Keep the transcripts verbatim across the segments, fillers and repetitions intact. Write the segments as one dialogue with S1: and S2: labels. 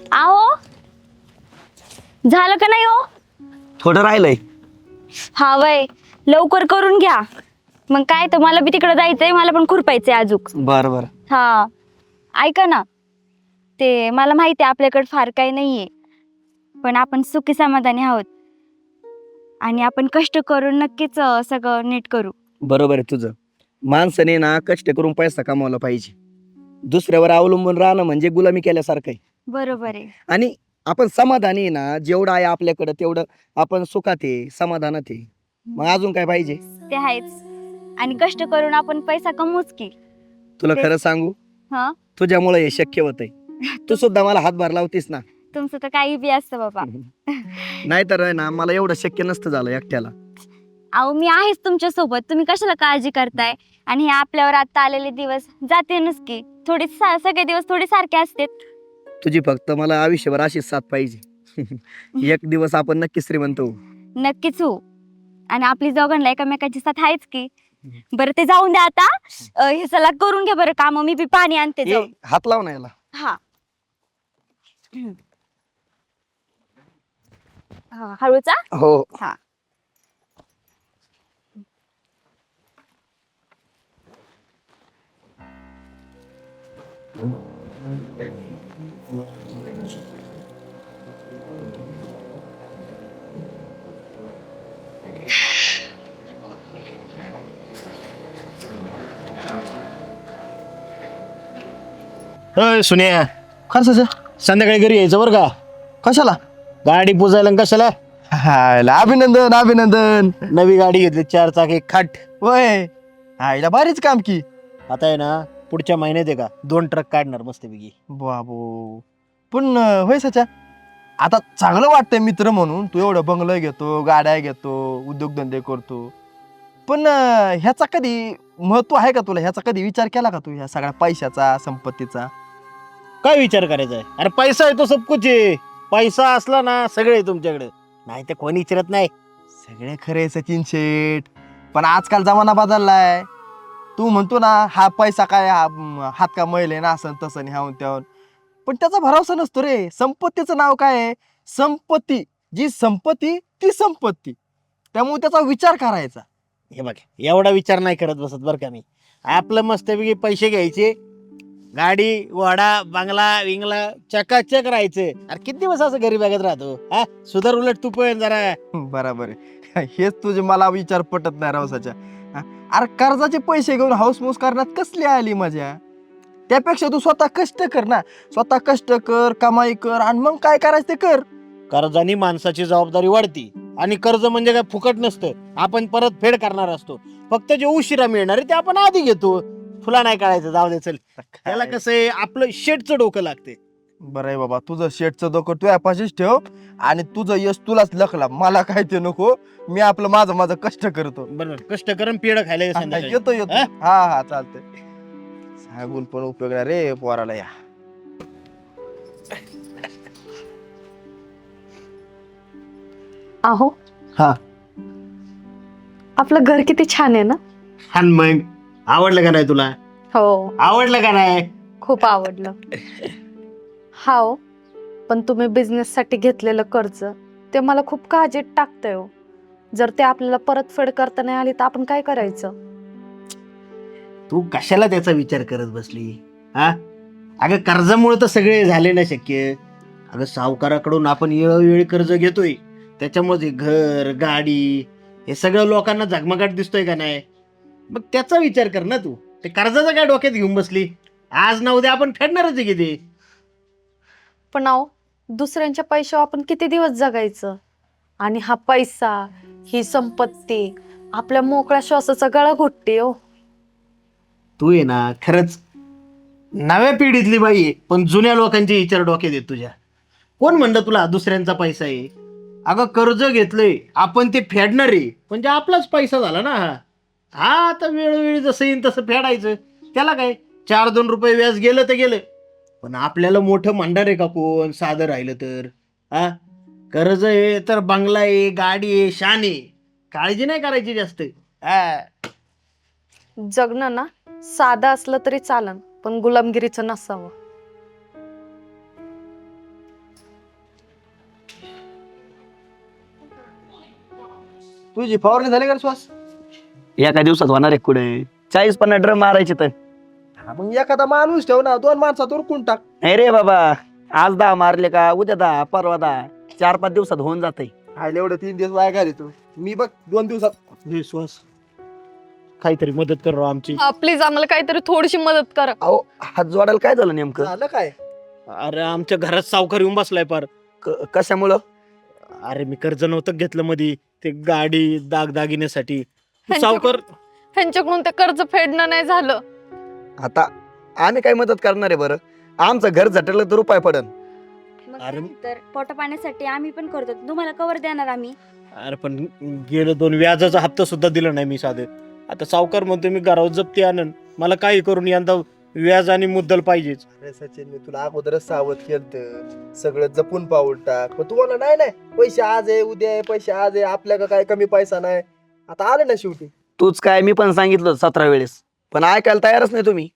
S1: आहो झालं का नाही हो?
S2: थोडं राहिलंय.
S1: हा वय लवकर करून घ्या. मग काय तर मला बी तिकडे जायचंय, मला पण खुरपायचंय अजूक.
S2: बर बर.
S1: हा ऐका ना, ते मला माहिती आहे आपल्याकडे फार काही नाहीये, पण आपण सुखी समाधानी आहोत आणि आपण कष्ट करून नक्कीच अं, सगळं नीट करू.
S2: बरोबर आहे तुझं. माणसाने ना कष्ट करून पैसा कमावला पाहिजे. दुसऱ्यावर अवलंबून राहणं म्हणजे गुलामी केल्यासारखं आहे.
S1: बरोबर आहे.
S2: आणि आपण समाधानी आहे ना, जेवढं आहे आपल्याकडं तेवढं आपण सुखात आहे, समाधानात आहे. मग अजून काय पाहिजे?
S1: ते आहेच. आणि कष्ट करून आपण पैसा कमवूच की.
S2: तुला
S1: तेच.
S2: खरं सांगू,
S1: हा
S2: तुझ्यामुळे हे शक्य होतंय. तू सुद्धा मला हातभार लावतीस ना.
S1: तुमचं तर काही बी असतं बाबा.
S2: नाहीतर आहे ना, मला एवढं शक्य नसतं झालं एकट्याला.
S1: अहो मी आहेच तुमच्या सोबत, तुम्ही कशाला काळजी करताय? आणि हे आपल्यावर आता आलेले दिवस जातेनच की, थोडे सा- सगळे दिवस थोडे सारखे असतात.
S2: तुझी फक्त मला आयुष्यभर अशीच साथ पाहिजे. एक दिवस आपण नक्की श्रीमंत होऊ.
S1: नक्कीच हो. आणि आपली दोघांना एकामेकाची साथ आहेच की. बरं ते जाऊन द्या आता. अं, हे चला करून घ्या बरं काम, मी बी पाणी आणते
S2: ए,
S1: जाऊन.
S2: हात लाव ना याला.
S1: हा हा हळूचा.
S2: हो.
S1: हा
S3: अय सुन्या,
S2: खर्च
S3: संध्याकाळी घरी यायचं बरं का.
S2: कशाला?
S3: गाडी पुजायला आणि कशाला.
S2: हायला अभिनंदन अभिनंदन.
S3: नवी गाडी घेतली, चार चाकी खाट.
S2: वय आईला भारीच काम की.
S3: आता आहे ना, पुढच्या महिन्यात आहे का दोन ट्रक काढणार मस्तपैकी.
S4: बाबू पण अं, होय सच्या, आता चांगलं वाटतंय मित्र म्हणून तू एवढं बंगलं घेतो, गाड्या घेतो, उद्योगधंदे करतो, पण अं, ह्याचा कधी महत्व आहे का तुला? ह्याचा कधी विचार केला का तू ह्या सगळ्या पैशाचा, संपत्तीचा?
S3: काय विचार करायचा आहे? अरे पैसा आहे तो सब कुछ आहे. पैसा असला ना सगळे तुमच्याकडे, नाही ते कोणी विचारत नाही.
S4: सगळे खरे सचिन शेठ, पण आजकाल जमाना बदललाय. तू म्हणतो ना हा पैसा काय, हा म, हात का मैले ना असं तसं आणि ह्याहून त्याहून, पण त्याचा भरोसा नसतो रे. संपत्तीचं नाव काय आहे? संपत्ती. जी संपत्ती ती संपत्ती, त्यामुळे त्याचा विचार करायचा.
S3: हे बघ, एवढा विचार नाही करत बसत बरं का मी. आपलं मस्तपैकी पैसे घ्यायचे, गाडी वाडा बंगला विंगला चकाचक राहायचं. अरे किती दिवस असं घरी बघत राहतो हा? सुधार उलट तू पण जरा.
S4: बराबर आहे. हेच तुझे मला विचार पटत नाही रावसाच्या. हा? अरे कर्जाचे पैसे घेऊन हाऊसमौस करण्यात कसली आली मजा? त्यापेक्षा तू स्वतः कष्ट कर ना. स्वतः कष्ट कर, कमाई कर, आणि मग काय करायचं ते कर.
S3: कर्जानी माणसाची जबाबदारी वाढती, आणि कर्ज म्हणजे काय फुकट नसतं. आपण परत फेड करणार असतो. फक्त जे उशिरा मिळणार आहे ते आपण आधी घेतो. तुला नाही कळायचं, जाऊ दे चल. त्याला कसं आहे, आपलं शेटचं डोकं लागते.
S4: बरं आहे बाबा, तुझं शेटचं डोकं तू यापाशीच ठेव, आणि तुझं यश तुलाच लखला, मला काय ते नको. मी आपलं माझं माझं कष्ट करतो.
S3: बरोबर, कष्ट करून पेड खायला ये संध्याकाळी.
S4: येतो येतो.
S3: हा?
S4: हा हा चालतंय. सांगून पण उपयोग नाही रे पोराला या.
S5: अहो
S3: हा.
S5: आपलं घर किती छान आहे ना.
S3: आणि मग आवडलं का नाही तुला?
S5: हो,
S3: आवडलं का नाही?
S5: खूप आवडलं. हा हो, पण तुम्ही बिझनेस साठी घेतलेलं कर्ज ते मला खूप काळजीत टाकतंय हो. जर ते आपल्याला परतफेड करता नाही आली तर आपण काय करायचं?
S3: तू कशाला त्याचा विचार करत बसली हा? अगं कर्जामुळे तर सगळे झाले ना शक्य. अगं सावकाराकडून आपण वेळोवेळी कर्ज घेतोय, त्याच्यामध्ये घर गाडी हे सगळं लोकांना झगमगाट दिसतोय का नाही? मग त्याचा विचार कर ना तू. ते कर्जाचा काय डोक्यात घेऊन बसली? आज ना उद्या आपण फेडणारच आहे किती.
S5: पण अहो, दुसऱ्यांच्या पैशावर आपण किती दिवस जगायचं? आणि हा पैसा, ही संपत्ती आपल्या मोकळ्या श्वासाचा गळा घोटते हो.
S3: तू आहे ना खरंच नव्या पिढीतली बाई आहे, पण जुन्या लोकांचे विचार डोक्यात येत तुझ्या. कोण म्हणलं तुला दुसऱ्यांचा पैसा आहे? अगं कर्ज घेतलंय आपण, ते फेडणार आहे म्हणजे आपलाच पैसा झाला ना हा. हा आता वेळोवेळी जसं येईल तसं फेडायचं. त्याला काय, चार दोन रुपये व्याज गेलं तर गेलं, पण आपल्याला मोठं म्हणणार आहे का कोण साधं राहिलं तर? हा, कर्ज आहे तर बंगला आहे, गाडी आहे, शान आहे, काळजी नाही करायची जास्त. हा.
S5: जगणं ना साधं असलं तरी चालन, पण गुलामगिरीचं नसावं.
S4: तुझी फवारणी झाली का रे श्वास?
S2: एका दिवसात होणार आहे कुठे चाळीस पन्नास ड्रम मारायचे तर.
S4: हा, मग एखादा माणूस ठेव ना, दोन माणसात उरकून टाक.
S2: नाही रे बाबा, आज दहा मारले का उद्या दहा परवा दहा, चार पाच दिवसात होऊन जाते.
S4: आयले एवढं तीन दिवस वाया घाली तू. मी बघ दोन दिवसात.
S3: हे श्वास काहीतरी मदत कर राव आमची.
S5: हा प्लीज आम्हाला काहीतरी थोडीशी मदत करा.
S2: अहो हात जोडायला काय झालं नेमकं?
S4: झालं काय?
S3: अरे आमच्या घरात सावकार येऊन बसलाय पार.
S2: क- कशामुळं?
S3: अरे मी कर्ज नव्हतं घेतलं मध्ये, ते गाडी दागदागिन्यासाठी. सावकार
S5: ह्यांच्याकडून ते कर्ज फेडणं नाही झालं.
S2: आता आम्ही काय मदत करणार आहे बरं? आमचं घर झटलं तर रुपये पडन.
S1: मग
S3: अरे-
S1: काय तर पोटा पाण्यासाठी आम्ही पण करतो, तुम्हाला कवर देणार आम्ही.
S3: अरे पण गेलं दोन व्याजाचा हप्ता सुद्धा दिला नाही मी साधे. आता सावकार म्हणतो मी घरावर जप्ती आणन, मला काही करून यंदा व्याज आणि मुद्दल पाहिजेच.
S4: अरे सचिन, मी तुला अगोदरच सावध केलं, सगळं जपून पाऊल टाक. पण तुम्हाला नाही नाही पैसे आज आहे उद्या आहे, पैसे आज आहे, आपल्याला काय कमी पैसा नाही. आता आले ना शेवटी.
S2: तूच काय, मी पण सांगितलं सतरा वेळेस, पण ऐकायला तयारच नाही तुम्ही.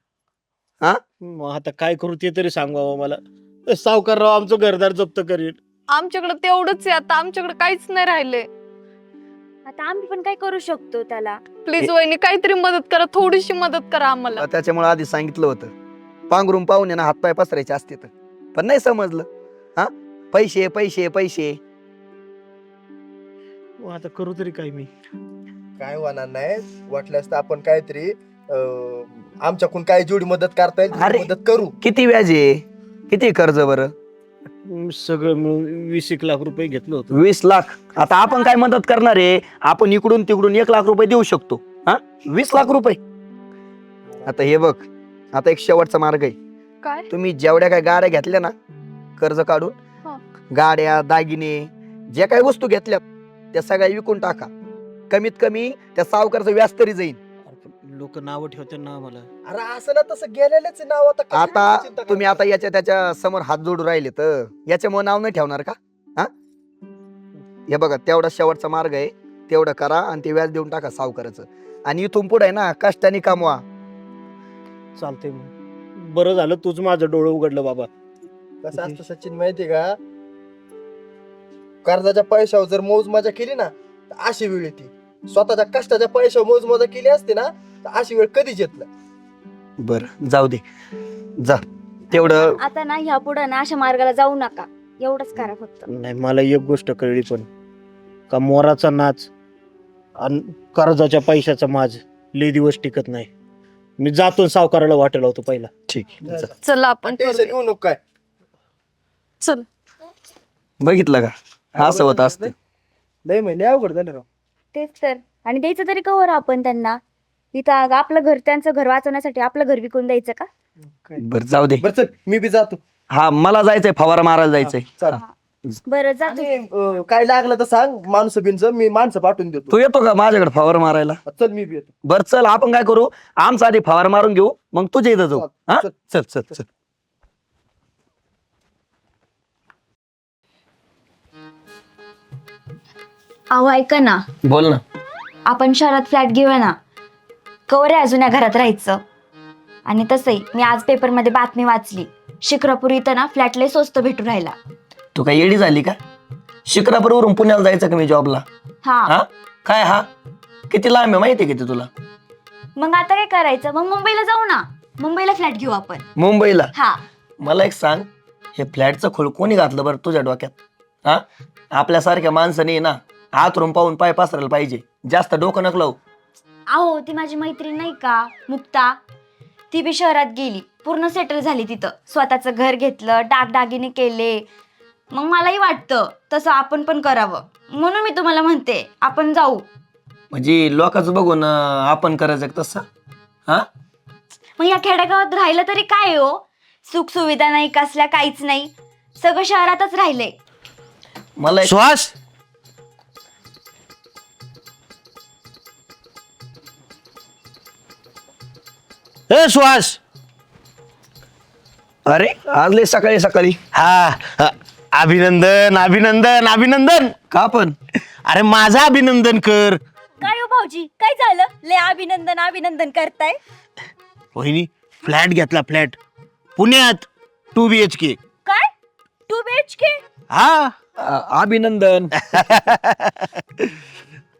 S3: मग आता काय करू ते तरी सांगावं मला. सावकार राव आमचं घरदार जप्त करेल.
S5: आमच्याकडे तेवढंच आहे आता, आमच्याकडे काहीच नाही राहिले.
S1: आता आम्ही पण काय करू शकतो त्याला?
S5: प्लीज वहिनी काहीतरी मदत करा, थोडीशी मदत करा आम्हाला.
S2: त्याच्यामुळे आधी सांगितलं होतं, पांघरून पाहून ना हातपाय पसरायचे असते तर, पण नाही समजलं. हा पैसे पैसे पैसे.
S3: मग आता करू तरी काय मी?
S4: काय होणार नाही, वाटल्यास तर आपण काहीतरी अं, आमच्याकडून काय जेवढी मदत करता येईल
S2: अरे.
S4: तेवढी मदत करू.
S2: किती व्याज आहे, किती कर्ज बरं?
S3: सगळं मिळून वीस एक लाख रुपये घेतलं होतं.
S2: वीस लाख. आता आपण काय मदत करणार आहे? आपण इकडून तिकडून एक लाख रुपये देऊ शकतो. हा वीस लाख रुपये. आता हे बघ, आता एक शेवटचा मार्ग आहे.
S5: काय?
S2: तुम्ही जेवढ्या काय गाड्या घेतल्या ना कर्ज काढून,
S5: हा.
S2: गाड्या दागिने ज्या काही वस्तू घेतल्यात त्या सगळ्या विकून टाका. कमीत कमी त्या सावकारचं व्याज तरी जाईल.
S3: लोक नावं ठेवते ना मला.
S4: अरे असं ना तसं गेलेलेच नाव आता कशाला
S2: आता
S4: चिंता
S2: तुम्ही
S4: करता?
S2: आता याच्या त्याच्या समोर हात जोडून राहिले तर याच्यामुळे नाव नाही ठेवणार का? हा हे बघा, तेवढा शेवटचा मार्ग आहे, तेवढं करा आणि ते व्याज देऊन टाका सावकाराचं. आणि इथून पुढे आहे ना कष्टाने कमवा.
S3: चालतंय मग. बरं झालं तूच माझं डोळं उघडलं बाबा.
S4: कसं असतं सचिन माहितीये का, कर्जाच्या पैशावर जर मौज मजा केली ना तर अशी वेळ येते. स्वतःच्या कष्टाच्या पैशावर मौज मजा केली असते ना तर अशी वेळ कधीच येत नाही.
S2: बर जाऊ दे, जा तेवढं.
S1: आता ना ह्या पुढे ना अशा मार्गाला जाऊ नका, एवढंच करा फक्त.
S3: नाही मला एक गोष्ट कळली पण, का मोराचा नाच आणि कर्जाच्या पैशाचा माज लय दिवस टिकत नाही. मी जातो सावकाराला वाटेल होतो पहिला.
S2: ठीक आहे, जा.
S5: चला आपण
S4: टेन्शन
S5: करूया.
S4: घेऊ नको काय.
S5: चल.
S2: बघितलं का असं होत असतं.
S4: लय महिने अवघड झालं राव.
S1: तेच तर. आणि द्यायचं तरी कवर आपण त्यांना. इथं अगं आपलं घर, त्यांचं घर वाचवण्यासाठी आपलं घर विकून द्यायचं का?
S2: बर जाऊ दे.
S4: बरं चल, मी बी जातो.
S2: हा मला जायचंय, फवारा मारायला जायचंय.
S4: चल.
S1: बरं जा तू.
S4: आणि, अं, काय लागलं तर सांग, माणसं बिनचं मी माणसं पाठवून देतो.
S2: तू येतो का माझ्याकडे फवारा मारायला?
S4: चल मी बी येतो.
S2: बर चल, आपण काय करू, आमचा आधी फवारा मारून घेऊ, मग तुझ्या इथं जाऊ. हा
S4: चल.
S2: चल चल चल.
S1: अहो ऐका ना,
S2: बोल ना.
S1: आपण शहरात फ्लॅट घेऊया ना, कवर आहे अजून या घरात राहायचं. आणि तसंही मी आज पेपरमध्ये बातमी वाचली, शिक्रापूर इथं ना फ्लॅट लय स्वस्त भेटू राहिला.
S2: तू काय येडी झाली का? शिक्रापूरवरून पुण्याला जायचं का मी जॉबला?
S1: हा
S2: हा काय, हा किती लांब आहे माहिती आहे किती तुला?
S1: मग आता काय करायचं? मग मुंबईला जाऊ ना, मुंबईला फ्लॅट घेऊ आपण.
S2: मुंबईला?
S1: हा
S2: मला एक सांग, हे फ्लॅटचं खोळ कोणी घातलं बरं तुझ्या डोक्यात? हा आपल्यासारख्या माणसाने ना आतरून पाहून पाय पसरायला पाहिजे, जास्त डोकं नक लावू.
S1: अहो ती माझी मैत्रीण नाही का मुक्ता, ती बी शहरात गेली, पूर्ण सेटल झाली तिथं, स्वतःचं घर घेतलं, दागदागिने केले. मग मलाही वाटतं तसं आपण पण करावं, म्हणून मी तुम्हाला म्हणते आपण जाऊ.
S2: म्हणजे लोकांचं बघून अं, आपण करायचं का तसं? हा
S1: मग या खेडेगावात राहिलं तरी काय हो, सुख सुविधा नाही, कसल्या काहीच नाही, सगळं शहरातच राहिलंय.
S2: मला एक-
S3: सुहास, ए सुहास.
S2: अरे आज लय सकाळी सकाळी.
S3: हा अ, अभिनंदन अभिनंदन अभिनंदन.
S2: का पण?
S3: अरे माझं अभिनंदन कर.
S1: काय हो भाऊजी, काय झालं? ले अभिनंदन अभिनंदन करताय?
S3: वहिनी फ्लॅट घेतला, फ्लॅट पुण्यात, टू बी एच के.
S1: काय टू बी एच के?
S3: हा
S2: अं, अभिनंदन.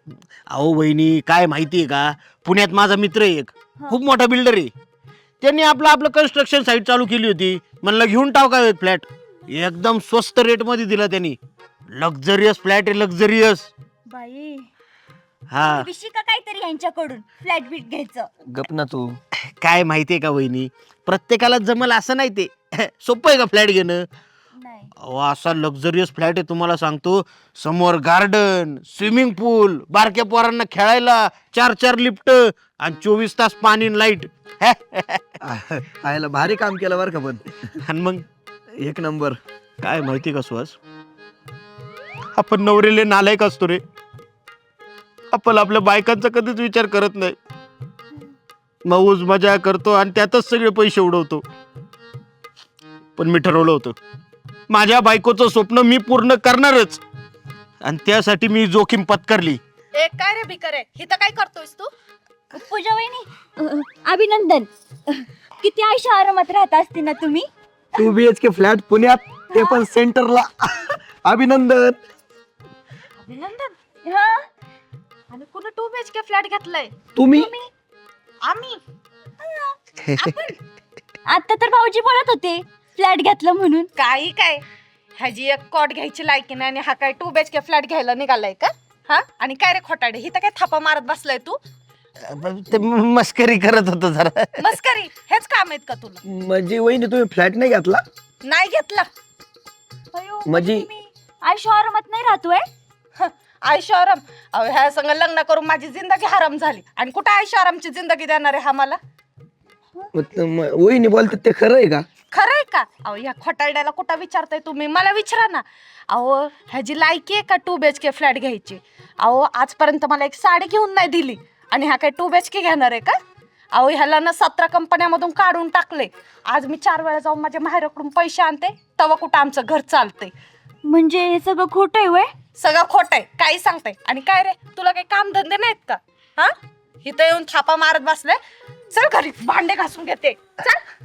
S3: अहो बहिणी, काय माहितीये का, पुण्यात माझा मित्र आहे एक,
S1: हा.
S3: खूप मोठा बिल्डर आहे. त्यांनी आपलं आपलं कन्स्ट्रक्शन साईट चालू केली होती. म्हणलं घेऊन टाव का फ्लॅट, एकदम स्वस्त रेट मध्ये दिला त्यांनी. लक्झरियस फ्लॅट आहे, लक्झरियस.
S1: बाई
S3: हा,
S1: विशी का काहीतरी यांच्याकडून फ्लॅट बीट घ्यायचं.
S2: गप ना तू.
S3: काय माहितीये का वहिनी, प्रत्येकाला जमल असं नाही ते. सोपं आहे का फ्लॅट घेणं?
S1: नाही.
S3: अहो, असा लक्झरियस फ्लॅट आहे तुम्हाला सांगतो. समोर गार्डन, स्विमिंग पूल, बारक्या पोरांना खेळायला चार चार लिफ्ट आणि चोवीस तास पाणी लाईट.
S2: आयला भारी काम केलं बरं का, पण
S3: आणि मग
S2: एक नंबर.
S3: काय माहिती का सुहास, आपण नवरेले नालायक असतो रे. आपण आपल्या बायकांचा कधीच विचार करत नाही. मौज मजा करतो आणि त्यातच सगळे पैसे उडवतो. पण मी ठरवलं होतं, माझ्या बायकोचं स्वप्न मी पूर्ण करणारच, आणि त्यासाठी मी जोखीम पत्करली.
S5: ए काय रे भिकर आहे, हिथं काय करतोयस तू?
S1: पूजा वहिनी, अ, अभिनंदन. किती आयुष्य आरामात राहत असते ना तुम्ही.
S2: Two B H K flat पुण्यात, ते पण सेंटरला. अभिनंदन.
S5: अभिनंदन.
S1: हा,
S5: आणि कुठं two B H K flat घेतलाय?
S2: तुम्ही
S5: आम्ही.
S1: आता तर भाऊजी बोलत होते फ्लॅट घेतलं म्हणून.
S5: काही काय, ह्याची एक कॉट घ्यायची लायकी नाही आणि हा काय two B H K flat घ्यायला निघालाय का? हा, आणि काय रे खोटाडे, हिथं काय थापा मारत बसलाय तू?
S3: ते मस्करी करत होतो जरा.
S5: मस्करी, हेच काम आहेत का तुला?
S2: म्हणजे वहिनी तुम्ही फ्लॅट नाही घेतला?
S5: नाही घेतला.
S1: अयो,
S2: म्हणजे
S1: तुम्ही आयुष्य आरामात नाही राहतोय.
S5: आयुष्य आराम? अहो, ह्या संग लग्न करून माझी जिंदगी हराम झाली, आणि कुठं आयुष्य आरामची जिंदगी देणार आहे हा मला?
S2: मग- मग वहिनी बोलतात ते खरं आहे का?
S5: खरंय का? अहो, ह्या खोटारड्याला कुठं विचारताय तुम्ही? मला विचारा ना. अहो, ह्याची लायकी आहे का two B H K flat घ्यायची? अहो, आजपर्यंत मला एक साडी घेऊन नाही दिली, आणि ह्या काय टू बी एच के घेणार आहे का? अहो, ह्याला ना सतरा कंपन्यामधून काढून टाकले. आज मी चार वेळा जाऊन माझ्या माहेराकडून पैसे आणते, तेव्हा कुठं आमचं घर चालतंय.
S1: म्हणजे हे सगळं खोटं आहे वय.
S5: सगळं खोट आहे, काही सांगताय. आणि काय रे, तुला काही काम धंदे नाहीत का? हा, इथं येऊन थापा मारत बसले. चल घरी भांडे घासून घेते, चल.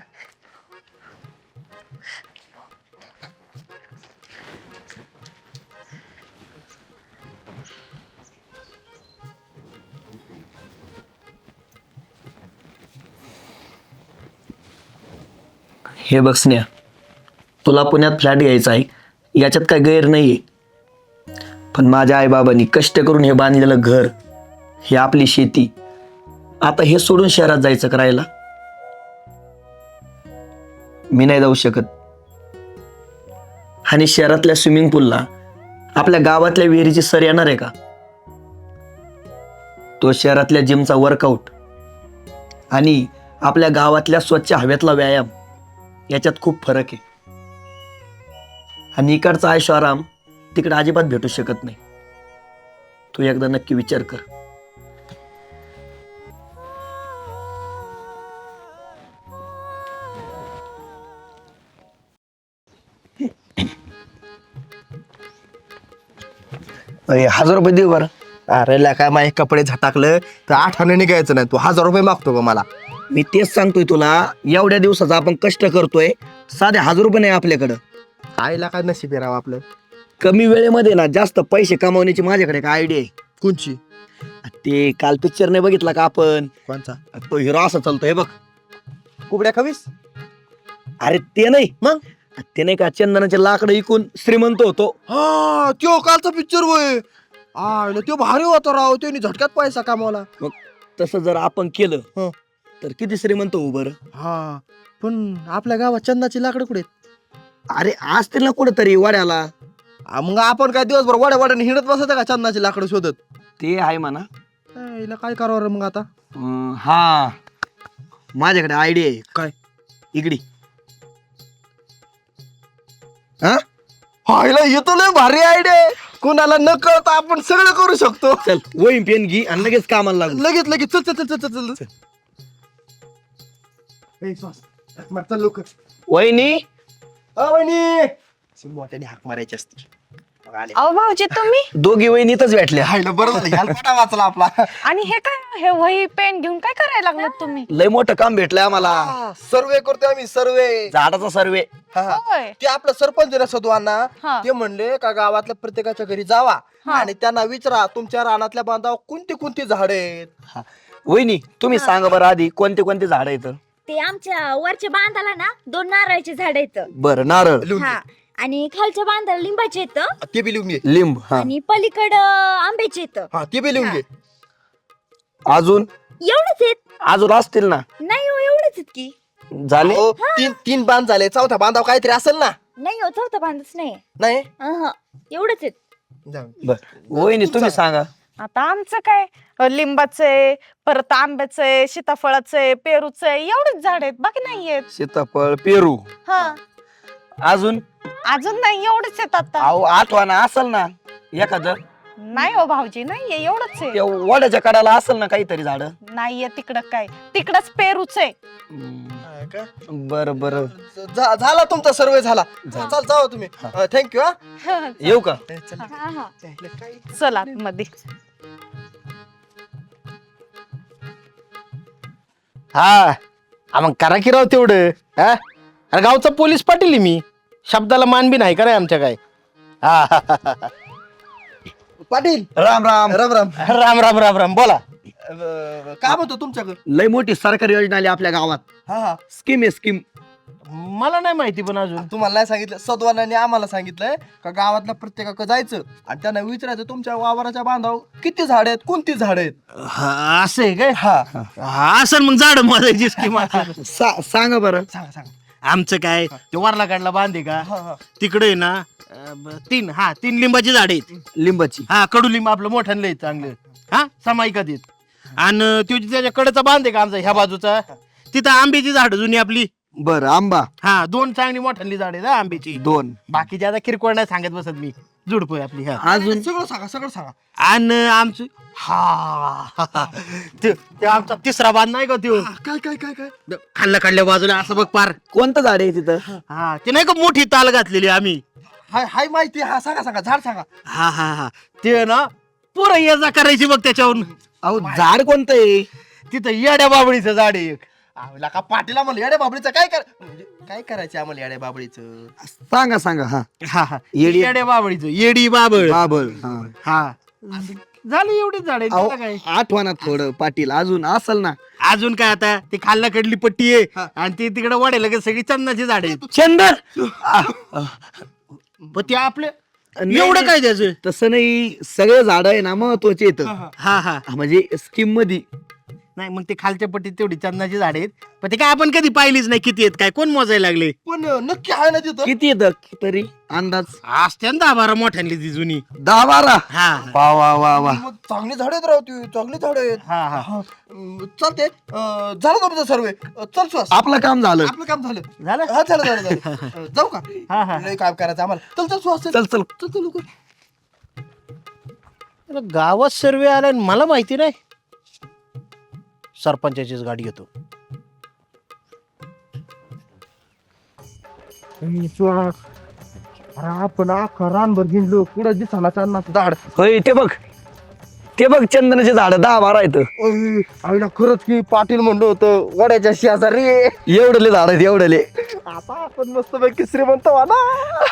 S2: हे बघ स्नेहा, तुला पुण्यात फ्लॅट घ्यायचा आहे, याच्यात काय गैर नाही आहे. पण माझ्या आईबाबांनी कष्ट करून हे बांधलेलं घर, ही आपली शेती, आता हे सोडून शहरात जायचं करायला मी नाही जाऊ शकत. आणि शहरातल्या स्विमिंग पूलला आपल्या गावातल्या विहिरीची सर येणार आहे का? तो शहरातल्या जिमचा वर्कआउट आणि आपल्या गावातल्या स्वच्छ हवेतला व्यायाम, याच्यात खूप फरक आहे. आणि इकडचा आयुष्य आराम तिकडे अजिबात भेटू शकत नाही. तू एकदा नक्की विचार कर.
S4: अरे हजार रुपये देऊ बरं. अरे काय माझे कपडे झटाकलं तर आठ आणे निघायचं नाही, तू हजार रुपये मागतो का मला?
S2: मी तेच सांगतोय तुला, एवढ्या दिवसाचा आपण कष्ट करतोय, साधे हजार रुपये नाही आपल्याकडं.
S4: आईला काय नशीब आहे राव आपलं.
S2: कमी वेळेमध्ये ना जास्त पैसे कमावण्याची माझ्याकडे काय आयडिया आहे.
S4: कोणची?
S2: ते काल पिक्चर नाही बघितला का आपण?
S4: कोणचा?
S2: तो हिरो असा चालतोय बघ.
S4: कुबड्या खवीस?
S2: अरे ते नाही,
S4: मग?
S2: ते नाही का चंदनाचे लाकडं इकून श्रीमंत होतो.
S4: हा, त्यो कालचा पिक्चर होय. आईला त्यो भारी होता राव, त्याने झटक्यात पैसा कमावला.
S2: तसं जर आपण केलं
S4: हं.
S2: तर किती श्रीमंत होऊ बरं.
S4: हा, पण आपल्या गावात चंदाची लाकडं कुठे आहेत?
S2: अरे असतील ना कुठंतरी वाड्याला.
S4: आ, मग आपण काय दिवसभर वाड्या वाड्याने हिंडत बसायचं का चंदाची लाकडं शोधत?
S2: ते आहे म्हणा.
S4: हिला काय करावं रे मग आता?
S2: अं, हा, माझ्याकडे आयडिया आहे.
S4: काय?
S2: इकडी.
S4: हा, हिला येतो लय भारी आयडिया. कुणाला न कळता आपण सगळं करू शकतो.
S2: चल वही पेन घे आणि लगेच कामाला लागू.
S4: लगेच लगेच चल चल चल चल चल चल. ए, श्वास. हाक मार, चल लवकर.
S2: वहिनी,
S4: अ, वहिनी. अशी मोठ्याने हाक मारायची असते. मग आले.
S5: अहो भाऊजी तुम्ही,
S2: दोघी वहिनीतच भेटल्या.
S4: हायला बरं झालं, ह्याला कोणा वाचला आपला.
S5: आणि हे काय हे वही पेन घेऊन काय करायला लागलात तुम्ही?
S2: लय मोठं काम भेटलंय आम्हाला.
S4: सर्वे करतोय आम्ही सर्वे.
S2: झाडाचा सर्वे.
S5: होय.
S4: ते आपलं सरपंच आहे ना सदवांना,
S5: हा.
S4: ते म्हणले का गावातल्या प्रत्येकाच्या घरी जावा
S5: हा.
S4: आणि त्यांना विचारा तुमच्या रानातल्या बांधावर कोणती कोणती झाड आहेत.
S2: वहिनी तुम्ही सांगा बरं आधी कोणते कोणते झाड आहेत.
S1: ते आमच्या वरच्या बांधाला ना दोन नारळाचे झाड आहेत.
S2: बरं नारळ,
S4: लिहून
S1: हा आणि खालच्या बांधाला लिंबाचे आहेत
S4: घे. ते बी लिहून घे.
S2: लिंब, हा
S1: आणि पलीकडं आंब्याचे आहेत.
S4: हा ते बी लिहून घे.
S2: अजून
S1: एवढेच आहेत.
S2: अजून असतील ना.
S1: नाही हो एवढेच आहेत की.
S2: झाले.
S4: हो, तीन तीन बांध झाले, चौथा बांधाव काहीतरी असेल ना.
S1: नाही हो चौथा बांधच नाही.
S4: नाही
S1: अहं, एवढेच आहेत.
S4: जाऊ.
S2: बर वहिनी तुम्ही सांगा.
S5: आता आमचं काय अ, लिंबाचे, परत आंब्याचे, सीताफळाचे, पेरूचे एवढेच झाड आहेत, बाकी नाहीयेत.
S2: सीताफळ, पेरू.
S5: हा
S2: अजून
S5: अजून नाही, एवढेच आहेत आता.
S2: अहो आठवाना असेल ना एखादं.
S5: नाही हो भाऊजी, नाहीये, एवढंच आहे.
S2: त्या वड्याच्या कडाला असेल ना काहीतरी झाड.
S5: नाहीये तिकडं काय, तिकडच पेरूचे.
S4: हा का?
S2: बर बर
S4: झा- झाला तुमचा सर्वे झाला.
S2: झाला.
S4: चल जाऊ तुम्ही. थँक्यू. हा
S2: येऊ का.
S4: चल.
S1: हा हा
S5: चला मध्ये.
S3: हा हा, मग करा की राव तेवढं. हा अरे गावचा पोलीस पाटील आहे मी, शब्दाला मान बी नाही का रे आमच्या काय. हा हा, हा, हा.
S4: पाटील
S2: राम राम.
S4: राम राम.
S3: राम राम राम राम बोला.
S4: अं, काय म्हणतो तुमच्याकडे?
S2: लय मोठी सरकारी योजना आली आपल्या गावात.
S4: हा हा
S2: स्कीम आहे स्कीम.
S3: मला नाही माहिती पण अजून.
S4: तुम्हाला नाही सांगितलं, सद्वानाने आम्हाला सांगितलंय का गावातल्या प्रत्येकाकडे जायचं आणि त्यांना विचारायचं तुमच्या वावराच्या बांधावर किती झाड आहेत, कोणती झाड आहेत.
S3: हा, असं आहे काय.
S4: हा
S3: हा असं मग झाड माझायची स्कीम असेल.
S2: सा- सांगा बरं.
S4: सांगा सांगा.
S3: आमचं काय ते वरला काढला बांधे का
S4: हा हा
S3: तिकडे आहे ना अं, ब- तीन हा तीन लिंबाची झाडे आहेत.
S2: लिंबाची.
S3: हा कडुलिंब आपलं मोठ्यानं लय चांगलं. हा समायिकात आहेत. आणि तो त्याच्या कडेचा बांधे का आमचा ह्या बाजूचा, तिथं आंब्याची झाड जुनी आपली.
S2: बर आंबा
S3: हा दोन चांगली मोठ्याली झाड आहेत हा आंब्याची.
S2: दोन.
S3: बाकीची आता किरकोळ नाही सांगत बसत मी, जुडपोय आपली. हा
S2: अजून
S4: सगळं सांगा, सगळं सांगा.
S3: आणि आमचं हा ते ते आमचा तिसरा बांध नाही का त्यो,
S4: काय काय काय काय
S3: खाल्ल्या खाल्ल्या बाजूला असं बघ पार.
S2: कोणतं झाड आहे तिथं.
S3: हा ते नाही का मोठी ताल घातलेली आम्ही.
S4: हाय हाय माहिती. हा सांगा सांगा, झाड सांगा.
S3: हा हा हा ते ना पुरं ये जा करायची बघ त्याच्यावरून.
S2: अहो झाड कोणतं आहे.
S3: तिथं येड्या बाबळीचं झाड आहे एक.
S4: आवला का पाटील आम्हाला येड्या बाबळीचं काय कर म्हणजे काय करायचं आम्हाला येड्या बाबळीचं.
S2: सांगा सांगा. हा
S3: हा हा
S2: येडी-
S3: येड्या बाबळीचं, येडी बाबळ.
S2: बाबळ. हा
S3: हा झालं एवढीच झाड आहे
S2: अहो,
S3: त्याला काय.
S2: आठवणा थोडं पाटील अजून असल ना.
S3: अजून काय आता ती खाल्लाकडली पट्टी आहे
S4: हा.
S3: आणि ती तिकडे वाढेल का सगळी चंदनाची झाड आहेत.
S2: चंदन.
S3: पण ते आपलं एवढं काय त्याचं.
S2: तसं नाही, सगळे झाड आहे ना महत्वाचे येत.
S3: हा हा
S2: म्हणजे स्कीम मध्ये.
S3: नाही मग ते खालच्या पट्टीत तेवढी चंदनाची झाड आहेत, पण ते काय आपण कधी पाहिलीच नाही किती आहेत काय, कोण मोजायला लागले.
S4: पण नक्की आहे ना तिथं.
S2: किती येत तरी अंदाज.
S3: असते ना दहा बारा मोठ्यांनी ती जुनी.
S2: दहा बारा.
S3: हा
S2: वा वा वा वा.
S4: मग चांगली झाड आहेत राव, ती चांगली झाड आहेत.
S3: हा हा
S4: हा, अं, चालते. अं, झालं तुमचं सर्वे. चल सुहास,
S2: आपलं काम झालं.
S4: आपलं काम झालं.
S3: झालं.
S4: हा झालं झालं झालं. अं, जाऊ का.
S3: हा हा
S4: लय काम करायचं आम्हाला. चल चल सुहास, चल
S2: चल चल.
S4: चल चल लवकर.
S3: अरे गावात सर्वे आलाय आणि मला माहिती नाही. सरपंचाचीच गाडी येतो.
S4: आपण अख्खा रानभर हिंडलो, कुठं दिसाना चालणार झाड.
S2: होय ते बघ, ते बघ चंदनाचे झाड दहा बारा आहेत.
S4: अय, आईला खरंच की पाटील म्हणलं होतं वड्याच्या शेजारी.
S2: एवढले झाड आहेत एवढले.
S4: आता आपण मस्त पैकी श्रीमंत व्हा ना.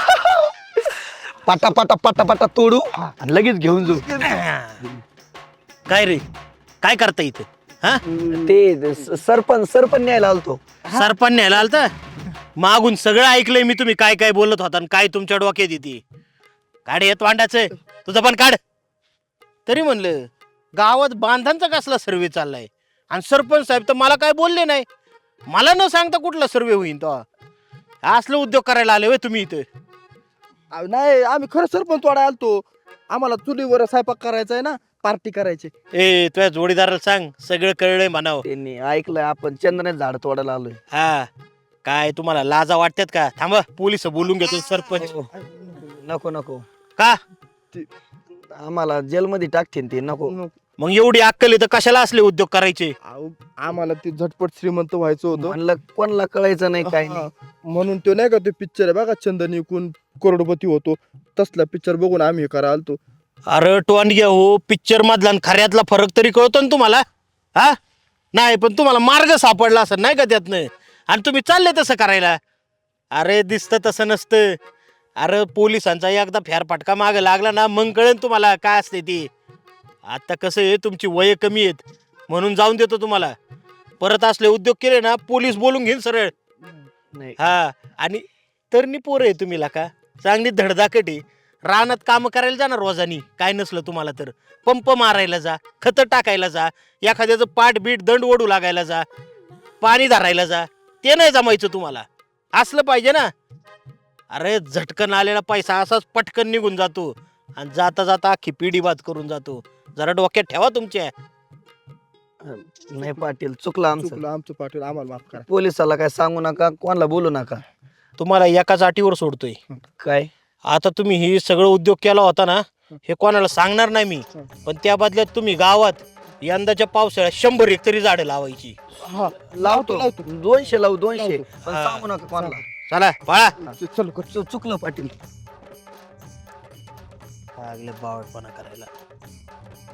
S2: पाटा पाटा पाटा पाटा तोडू आणि लगेच घेऊन जाऊ.
S3: काय रे काय करता इथे. हा
S2: ते स- सरपंच सरपंच न्यायला आलतो.
S3: सरपंच न्यायला आलता. मागून सगळं ऐकलंय मी तुम्ही काय काय बोलत होता आणि काय तुमच्या डोक्यात येते. काढ येत वांडाचं तुझं पण काढ. तरी म्हणलं गावात बांधांचा कसला सर्वे चाललाय आणि सरपंच साहेब तर मला काय बोलले नाही. मला न सांगता कुठला सर्वे होईन तो. असलं उद्योग करायला आले होय तुम्ही इथं.
S4: अहो, नाही आम्ही खरं सरपंच वाडा आलतो. आम्हाला चुलीवर स्वयंपाक करायचा आहे ना, पार्टी करायची.
S3: ए तुझ्या जोडीदाराला सांग सगळं कळलंय म्हणावं.
S2: त्यांनी ऐकलंय आपण चंदनाचे झाड तोडायला आलोय.
S3: हा काय तुम्हाला लाजा वाटतात का. थांबा पोलिस बोलून घेतो सरपंच.
S2: नको नको.
S3: का
S2: आम्हाला जेलमध्ये टाकतील ते. नको.
S3: मग एवढी अक्कल आहे तर कशाला असले उद्योग करायचे.
S4: अहो, आम्हाला ते झटपट श्रीमंत व्हायचं होतं.
S2: म्हणलं कोणाला कळायचं नाही काय
S4: हा,
S2: नाही.
S4: म्हणून तो नाही का ते पिक्चर आहे बघा, चंदन विकून करोडपती होतो, तसला पिक्चर बघून आम्ही हे करा आलतो.
S3: अरे टोंडग्या हो, पिक्चर मधला आणि खऱ्यातला फरक तरी कळतो ना तुम्हाला. हा नाही पण तुम्हाला मार्ग सापडला असं नाही का त्यातनं आणि तुम्ही चालले तसं करायला. अरे दिसतं तसं नसतं. अरे पोलिसांचा एकदा फेरफटका मागं लागला ना मग कळेल तुम्हाला काय असते ती. आता कसं आहे तुमची वय कमी आहेत म्हणून जाऊन देतो तुम्हाला. परत असले उद्योग केले ना पोलीस बोलून घेईन सरळ.
S2: नाही
S3: हा आणि तरणी पोरं आहे तुम्ही का चांगली धडधाकट आहे. रानात कामं करायला जा ना रोजानी काय नसलं तुम्हाला तर. पंप मारायला जा, खतं टाकायला जा, एखाद्याचं पाठ बीट दंड ओढू लागायला जा, पाणी धरायला जा. ते नाही जमायचं तुम्हाला. असलं पाहिजे ना. अरे झटकन आलेला पैसा असाच पटकन निघून जातो आणि जाता जाता अख्खी पिढी बाद करून जातो. जरा डोक्यात ठेवा तुमच्या.
S2: नाही पाटील चुकलं आमचं.
S4: चुकलं आमचं पाटील, आम्हाला माफ करा.
S2: पोलिसाला काय सांगू नका, कोणाला बोलू नका.
S3: तुम्हाला एकाच अटीवर सोडतोय.
S2: काय
S3: आता तुम्ही ही सगळं उद्योग केला होता ना हे कोणाला सांगणार नाही मी. पण त्या बदल्यात तुम्ही गावात यंदाच्या पावसाळ्यात शंभर एक तरी झाडं लावायची.
S4: हा
S2: लावतो दोनशे लावू दोनशे पण
S3: हा.
S2: सांगू नका कोणाला.
S3: चला पळा.
S4: चल
S2: चु- चुकलं पाटील.
S3: लागले बावटपणा करायला.